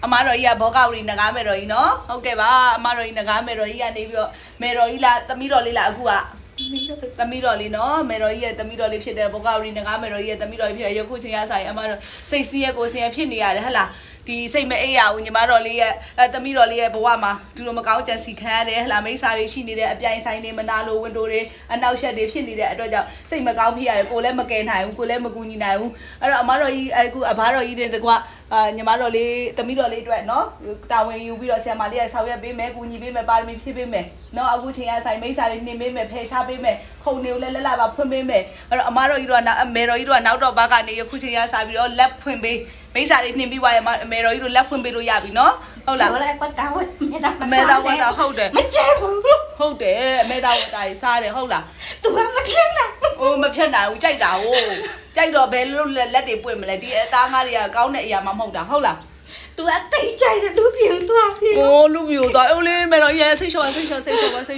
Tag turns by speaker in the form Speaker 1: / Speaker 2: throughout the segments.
Speaker 1: အမားတော်ကြီးကဘောကဝရီနဂါမယ်တော်ကြီးနော်ဟုတ်ကဲ့ပါအမားတော်ကြီးနဂါမယ်တော်ကြီးကနေပြီးတော့မယ်တော်ကြီးလားသမီးတော်လေးလားအခုကသမီးတော်လေးနော်မယ်တော်ကြီးရဲ့သမီးတော်လေးဖြစ်တဲ့ဘောကဝရီနဂါမယ်တော်ကြီးရဲ့သမီးတော်လေးဖြစ်ရရုပ်ခုချင်းရဆိုင်အမားတော်စိတ်စီးရဲ့ကိုယ်စင်ရဖြစ်နေရတယ်ဟဟလားဒီစိတ်မအေးရဘူးညီမတော်လေးရဲ့သမီးတော်လေးရဲ့ဘဝမှာဒီလိုမကောင်းကြံစီခံရတယ်ဟလာမိစ္ဆာတွေရှိနေတဲ့အပြိုင်ဆိုင်တွေမနာလိုဝန်တိုတွေအနောက်ရှက်တွေဖြစ်နေတဲ့အတွက်ကြောင့်စိတ်မကောင်းဖြစ်ရတယ်ကိုလည်းမကယ်နိုင်ဘူးကိုလည်းမကူညီနိုင်ဘူးအဲ့တော့အမတော်ကြီးအခုအဘတော်ကြီးတွေတကွညီမတော်လေးသမီးတော်လေးအတွက်နော်တာဝန်ယူပြီးတော့ဆရာမလေးကဆောင်ရွက်ပေးမယ်ကူညီပေးမယ်ပါရမီဖြည့်ပေးမယ်နော်အခုချိန်ကဆိုင်မိစ္ဆာတွေနှင်ပေးမယ်ဖယ်ရှားပေးမယ်ခုံနေကိုလည်းလက်လာပါဖွင့်ပေးမယ်အဲ့တော့အမတော်ကြီးတို့ကအမေတော်ကြီးတို့ကနောက်တော့ဘာကနေအခုချိန်ကစားပြီးတော့လက်ဖွင့်ပေးမိစ္ဆာတွေနှင်ပြီးွားရအမေတော်ကြီးတို့လက်ဖွင့်ပေးလို့ရပြီနော်ဟုတ်လား
Speaker 2: ဟုတ်လားပတ်တာဝတ်
Speaker 1: အမေတော်ဝတ်တာဟုတ်တယ်
Speaker 2: မကျဲဘူး
Speaker 1: ဟုတ်တယ်အမေတော်ဝတ်တာကြီးစားတယ်ဟုတ်လား
Speaker 2: तू ကမဖြစ်နိုင်
Speaker 1: အိုးမဖြစ်နိုင်ဘူးကြိုက်တာဟိုကြိုက်တော့ဘယ်လိုလက်တွေပွင့်မလဲဒီအသားငါးတွေကကောင်းတဲ့အရာမှမဟုတ်တာဟုတ်လား
Speaker 2: तू အသိကြိုက်တယ်လူပြူသွားပြီ
Speaker 1: အိုးလူပြူသွားအိုးလေးမေတော်ရဲ့စိတ်လျှော့ပါစိတ်လျှော့ပါဓာတ်မှ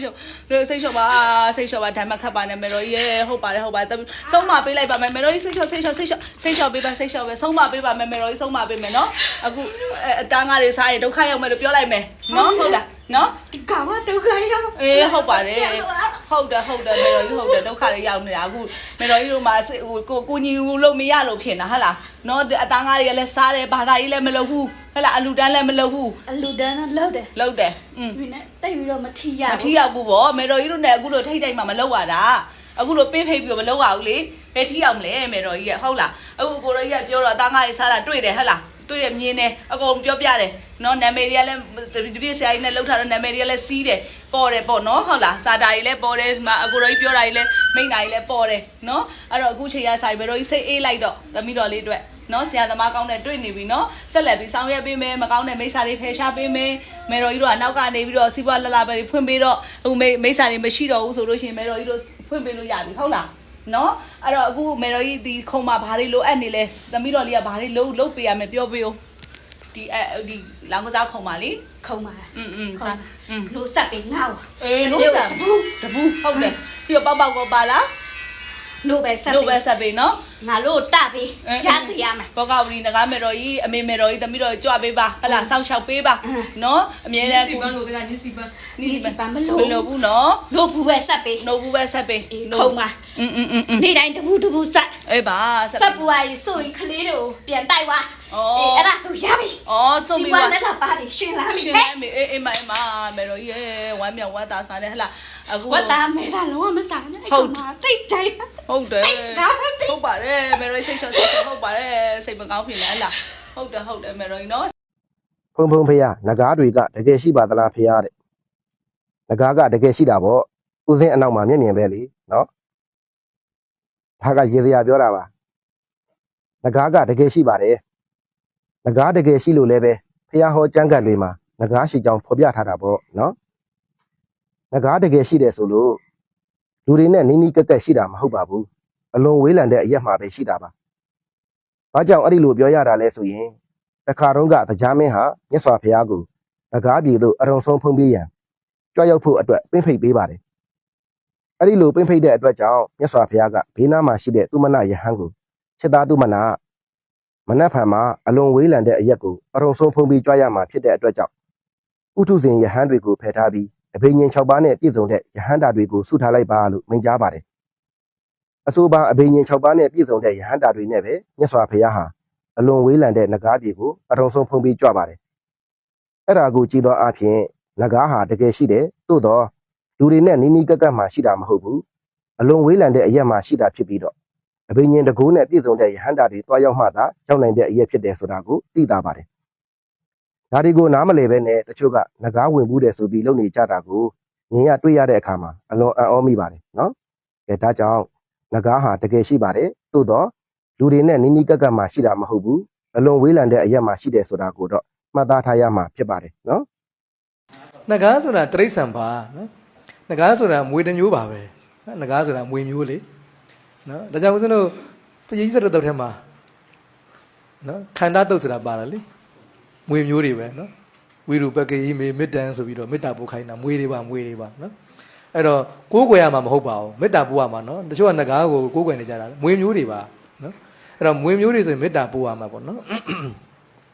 Speaker 1: တ်ခတ်ပါနဲ့မေတော်ရဲ့ဟုတ်ပါတယ်ဆုံးမပေးလိုက်ပါမယ်မေတော်ကြီးစိတ်လျှော့ပေးပါဆုံးမပေးပါမယ်မေတော်ကြီးဆုံးမပေးမယ်နော်အခုအသားငါးတွေစားရင်ဒုက္ခရောက်မယ်လို့ပြောလိုက်မယ်နော်ဟုတ်လားနော်
Speaker 2: ဒီကောင်ကဒုက္ခရောက်
Speaker 1: အေးဟုတ်ပါတယ်ဟုတ်တယ်မေတော်ကြီးဟုတ်တယ်ဒုက္ခတွေရောက်နေတာအခုမေတော်ကြီးတို့မှာကိုညီလို့မရလို့ဖြစ်နေတာဟဟလားနော်အသားငါးတွေကလည်းစားတယ်ဘာသာကြီးလည်းမလုပ်ဘူးဟဲ့လားအလူတန်းလည်းမလုပ်ဘူး
Speaker 2: အလူတန်းတော့လုပ်တယ်ဒီနဲ့တိတ်ပြီးတော့မထီရ
Speaker 1: ဘူးပေါ့မေတော်ကြီးတို့နဲ့အခုလိုထိတ်ထိတ်မှမလုပ်ရတာအခုလိုပေးဖိတ်ပြီးတော့မလုပ်ရဘူးလေဘယ်ထီရောက်မလဲမေတော်ကြီးကဟုတ်လားအခုကိုတော်ကြီးကပြောတော့အသားငါးတွေစားတာတွေ့တယ်ဟဲ့လားတွေ့တယ်မြင်တယ်အကုန်ပြောပြတယ်နော်နာမည်တွေကလည်းဒီပြည့်ဆရာကြီးနဲ့လှုပ်ထားတော့နာမည်တွေကလည်းစီးတယ်ပေါ်တယ်ပေါ့နော်ဟုတ်လားစာတာကြီးလည်းပေါ်တယ်ဒီမှာအကိုတော်ကြီးပြောတာကြီးလည်းမိန့်တာကြီးလည်းပေါ်တယ်နော်အဲ့တော့အခုချိန်ရဆိုင်ဘယ်တော့ကြီးစိတ်အေးလိုက်တော့သမီးတော်လေးအတွက်နော်ဆရာသမားကောင်းတဲ့တွေ့နေပြီနော်ဆက်လက်ပြီးဆောင်ရွက်ပေးမယ်မကောင်းတဲ့မိစ္ဆာတွေဖယ်ရှားပေးမယ်မေတော်ကြီးတို့ကနောက်ကနေပြီးတော့စီးပွားလှလှပဲဖွင့်ပေးတော့အခုမိစ္ဆာတွေမရှိတော့ဘူးဆိုလို့ရှိရင်မေတော်ကြီးတို့ဖွင့်ပေးလို့ရပြီဟုတ်လားနော်အဲ့တော့အခုမေတော်ကြီးဒီခုံမှာဘာတွေလိုအပ်နေလဲသမီးတော်လေးကဘာတွေလုပ်ပေးရမယ်ပြောပေးဦးဒီလောင်ကစားခုံပါလေ
Speaker 2: ခုံပါလို့ဆက်ပြီးငါ့
Speaker 1: အေးလို့ဆက်ဘူးတဘူးဟုတ်တယ်ပြီးတော့ပေါက်ကောပါလား
Speaker 2: လို့ပဲဆက်
Speaker 1: ပြီးနော်
Speaker 2: ငါလို့တပြီးရစီရမယ်
Speaker 1: ဘောကဝရီနဂါမေတော်ကြီးအမေမေတော်ကြီးသမီးတော်ကြွပေးပါဟလာစောင့်ရှောက်ပေးပါနော်အမြဲတမ်း
Speaker 3: ကိုလို့ကနိစီပန်း
Speaker 1: မလို့ဘူးနော်
Speaker 2: လို့ဘူးပဲဆက်ပြီးခုံပါနေ့တိုင်းတဘူးဆက်
Speaker 1: အေးပါ
Speaker 2: ဆက်ပွားကြီးဆိုရင်ကလေးတို့ပြန်တိုက်သွားအဲ့ဒါဆိုရပြီ
Speaker 1: ဆိုပြီး
Speaker 2: ပါလက်လာပါလေရှင်လာပြီ
Speaker 1: အေးမမေတော်ကြီးဝမ်းမြောက်ဝမ်းသာစားတယ်ဟလာအခု
Speaker 2: ဝတ်သားမဲတာလုံးဝမစားနဲ့အဲ့ကောင်ကတိတ်ကြိုက်
Speaker 1: ဟုတ်တယ်ဟုတ်ပါတယ်မေတော်ကြီးစိတ်ချဟုတ်ပါတယ်စိတ်မကောင်းဖြစ်နေဟလားဟုတ်တယ်မေတော်ကြီးနော်
Speaker 4: ဖုံဖေရငကားတွေကတကယ်ရှိပါသလားဖေရတဲ့ငကားကတကယ်ရှိတာပေါ့ဥစဉ်အနောက်မှာမျက်မြင်ပဲလေနော်ဒါကရေစရာပြောတာပါငကားကတကယ်ရှိပါတယ်ငကားတကယ်ရှိလို့လည်းပဲဖះဟောကျမ်းဂတ်တွေမှာငကားရှိကြောင်းဖော်ပြထားတာပေါ့နော်ငကားတကယ်ရှိတယ်ဆိုလို့လူတွေနဲ့နီးနီးကက်ကက်ရှိတာမဟုတ်ပါဘူးအလွန်ဝေးလံတဲ့အရက်မှာပဲရှိတာပါဘာကြောင့်အဲ့ဒီလိုပြောရတာလဲဆိုရင်တခါတုန်းကတရားမင်းဟာမြတ်စွာဘုရားကိုငကားပြည်သို့အရုံဆုံးဖုံးပေးရန်ကြွရောက်ဖို့အတွက်ပင့်ဖိတ်ပေးပါတယ်အဲ့ဒီလိုပင့်ဖိတ်တဲ့အတွက်ကြောင့်မြတ်စွာဘုရားကဘေးနားမှာရှိတဲ့သုမနယဟန်ကိုချက်သားသုမနမနက်ဖြန်မှာအလွန်ဝေးလံတဲ့အရက်ကိုအရုံဆုံးဖုံးပြီးကြွရမှာဖြစ်တဲ့အတွက်ကြောင့်ဥထုဇဉ်ယဟန်တွေကိုဖယ်ထားပြီးအဘိညာဉ်6ပါးနဲ့ပြည့်စုံတဲ့ယဟန်တာတွေကိုဆုထားလိုက်ပါလို့မိန့်ကြားပါတယ်အဆိုပါအဘိညာဉ်6ပါးနဲ့ပြည့်စုံတဲ့ယဟန်တာတွေနဲ့ပဲမြတ်စွာဘုရားဟာအလွန်ဝေးလံတဲ့နဂါးပြည်ကိုအရုံဆုံးဖုံးပြီးကြွပါတယ်အဲ့ဒါကိုကြည်သောအဖြစ်နဂါးဟာတကယ်ရှိတယ်သို့တော့လူတွေနဲ့နီးနီးကပ်ကပ်မှရှိတာမဟုတ်ဘူးအလွန်ဝေးလံတဲ့အရက်မှရှိတာဖြစ်ပြီးတော့အဘိညာဉ်တကူနဲ့ပြည့်စုံတဲ့ယဟန်တာတွေတွားရောက်မှသာရောက်နိုင်တဲ့အရက်ဖြစ်တယ်ဆိုတာကိုသိသာပါတယ်ဒါဒီကိုနားမလည်ပဲနဲ့တချို့ကနဂါးဝင်ဘူးတယ်ဆိုပြီးလုပ်နေကြတာကိုမြင်ရတွေ့ရတဲ့အခါမှာအလွန်အံ့ဩမိပါတယ်နော်ကဲဒါကြောင့်နဂါးဟာတကယ်ရှိပါတယ်သို့တော့လူတွေနဲ့နီးနီးကပ်ကပ်မှရှိတာမဟုတ်ဘူးအလွန်ဝေးလံတဲ့အရက်မှရှိတယ်ဆိုတာကိုတော့မှတ်သားထားရမှာဖြစ်ပါတယ်နော်
Speaker 3: နဂါးဆိုတာတရိษံပါနော်နဂါးဆိုတာမွေတစ်မျိုးပါပဲနဂါးဆိုတာမွေမျိုးလေနော်ဒါကြောင့်ဦးဇင်းတို့ပရိသတ်တုတ်ထဲမှာနော်ခန္ဓာတုတ်ဆိုတာပါလားလေမွေမျိုးတွေပဲနော်ဝိရူပကေယိမေမေတ္တံဆိုပြီးတော့မေတ္တာပို့ခိုင်းတာမွေတွေပါနော်အဲ့တော့ကိုးကွယ်ရမှာမဟုတ်ပါဘူးမေတ္တာပို့ရမှာနော်တချို့ကနဂါးကိုကိုးကွယ်နေကြတာမွေမျိုးတွေပါနော်အဲ့တော့မွေမျိုးတွေဆိုရင်မေတ္တာပို့ရမှာပေါ့နော်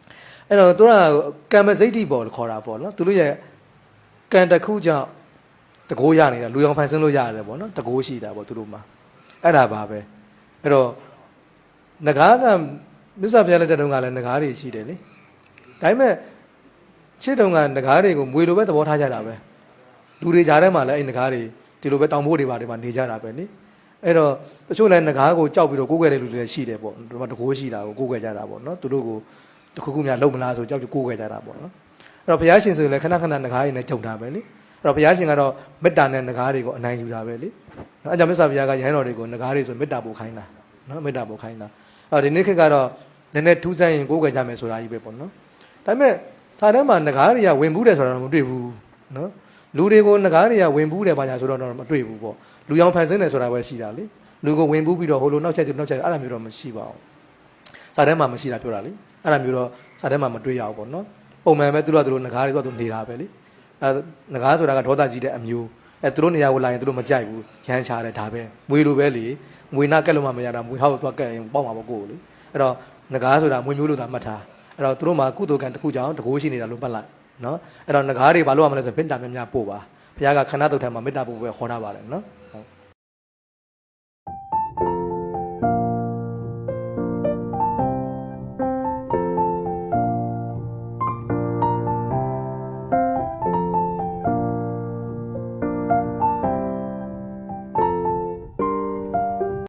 Speaker 3: အဲ့တော့သူကကံမစိတ်တိပေါ်ခေါ်တာပေါ့နော်သူတို့ရဲ့ကံတစ်ခုကြောင့်တကိုးရနေတာလူရောင်ဖန်ဆင်းလို့ရတယ်ပေါ့နော်တကိုးရှိတာပေါ့သူတို့မှာအဲ့ဒါပါပဲအဲ့တော့ငကားကမြတ်စွာဘုရားလက်ထက်တုန်းကလည်းငကားတွေရှိတယ်လေဒါပေမဲ့ရှေ့တုန်းကငကားတွေကိုမွေလိုပဲသဘောထားကြတာပဲလူတွေကြားထဲမှာလည်းအဲ့ငကားတွေဒီလိုပဲတောင်ဖို့တွေပါတွေမှာနေကြတာပဲလေအဲ့တော့တချို့လည်းငကားကိုကြောက်ပြီးတော့ကိုးကွယ်တဲ့လူတွေလည်းရှိတယ်ပေါ့ဒီမှာတကိုးရှိတာကိုကိုးကွယ်ကြတာပေါ့နော်သူတို့ကိုတခုခုများလုံမလားဆိုကြောက်ကြကိုးကွယ်ကြတာပေါ့နော်အဲ့တော့ဘုရားရှင်ဆိုရင်လည်းခဏခဏငကားတွေနဲ့ကြုံတာပဲလေအဲ့တော့ဘုရားရှင်ကတော့မေတ္တာနဲ့ငကားတွေကိုအနိုင်ယူတာပဲလေနော်အဲ့ကြောင့်မြတ်စွာဘုရားကယဟန်တော်တွေကိုငကားတွေဆိုမေတ္တာပို့ခိုင်းတာနော်မေတ္တာပို့ခိုင်းတာအဲ့တော့ဒီနေ့ခေတ်ကတော့နည်းနည်းထူးဆန်းရင်ကိုးကွယ်ကြမယ်ဆိုတာကြီးပဲပေါ့နော်ဒါပေမဲ့စာထဲမှာငကားတွေကဝင်ဘူးတယ်ဆိုတာတော့မတွေ့ဘူးနော်လူတွေကိုငကားတွေကဝင်ဘူးတယ်ဘာညာဆိုတော့မတွေ့ဘူးပေါ့လူရောင်ဖန်ဆင်းတယ်ဆိုတာပဲရှိတာလေလူကိုဝင်ဘူးပြီးတော့ဟိုလိုနောက်ချက်အဲ့လိုမျိုးတော့မရှိပါဘူးစာထဲမှာမရှိတာပြောတာလေအဲ့လိုမျိုးတော့စာထဲမှာမတွေ့ရဘူးပေါ့နော်ပုံမှန်ပဲသူတို့ငကားတွေတော့နေတာပဲလေအဲငကားဆိုတာကဒေါသကြီးတဲ့အမျိုးအဲသူတို့နေရာကိုလာရင်သူတို့မကြိုက်ဘူးရမ်းချတယ်ဒါပဲမွေလိုပဲလေမွေနာကက်လို့မှမရတာမွေဟောက်သွားကက်ရင်ပေါက်မှာပေါ့ကိုလေအဲ့တော့ငကားဆိုတာမွေမျိုးလို့သာမှတ်ထားအဲ့တော့သူတို့မှာကုသိုလ်ကံတစ်ခုကြောင့်တကိုးရှိနေတာလို့မှတ်လိုက်နော်အဲ့တော့ငကားတွေဘာလို့ရမလဲဆိုမေတ္တာများများပို့ပါဘုရားကခဏတုတ်ထဲမှာမေတ္တာပို့ပဲခေါ်တာပါတယ်နော်